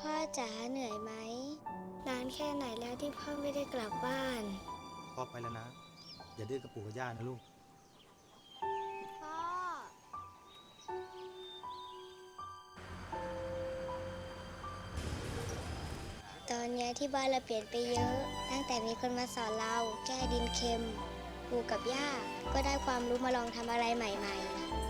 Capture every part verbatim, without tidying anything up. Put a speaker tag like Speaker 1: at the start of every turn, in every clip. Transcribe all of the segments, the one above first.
Speaker 1: พ่อจ๋าเหนื่อยไหมนานแค่ไหนแล้วที่พ่อไม่ได้กลับบ้าน
Speaker 2: พ่อไปแล้วนะ อย่าดื้อกับปู่กับย่านะลูก
Speaker 1: พ่อตอนนี้ที่บ้านเราเปลี่ยนไปเยอะ ตั้งแต่มีคนมาสอนเราแก้ดินเค็มปู่กับย่าก็ได้ความรู้มาลองทำอะไรใหม่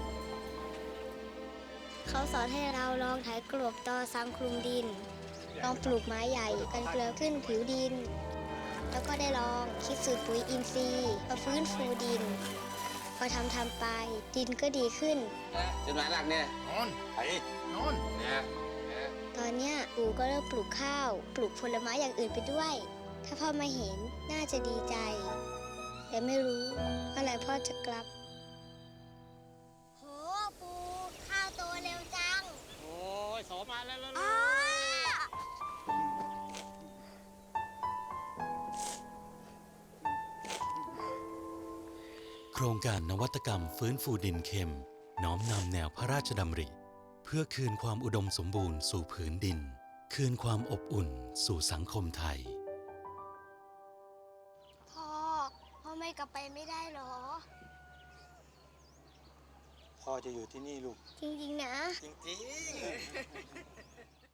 Speaker 1: ๆเขาสอนให้เราลองไถกลบตอซ้ำคลุมดินลองปลูกไม้ใหญ่กันเกลือขึ้นผิวดินแล้วก็ได้ลองคิดสูตรปุ๋ยอินทรีย์มาฟื้นฟูดินพอทำทำไปดินก็ดีขึ้น
Speaker 3: จุดหมายหลักเนี่ย
Speaker 2: นอน
Speaker 3: ไอ้
Speaker 2: นอน
Speaker 3: เนี่ย
Speaker 1: ตอนเนี้ยปู่ก็เริ่มปลูกข้าวปลูกผลไม้อย่างอื่นไปด้วยถ้าพ่อมาเห็นน่าจะดีใจแต่ไม่รู้เมื่อไหร่พ่อจะกลับโหปู่ข้าวโตเร็วจัง
Speaker 3: โอ้ยโสมาแล้วแล้ว
Speaker 4: โครงการนวัตกรรมฟื้นฟูดินเค็มน้อมนำแนวพระราชดำริเพื่อคืนความอุดมสมบูรณ์สู่ผืนดินคืนความอบอุ่นสู่สังคมไทย
Speaker 1: พ่อพ่อไม่กลับไปไม่ได้หรอ
Speaker 2: พ่อจะอยู่ที่นี่ลูก
Speaker 1: จริงๆนะ
Speaker 2: จริงๆ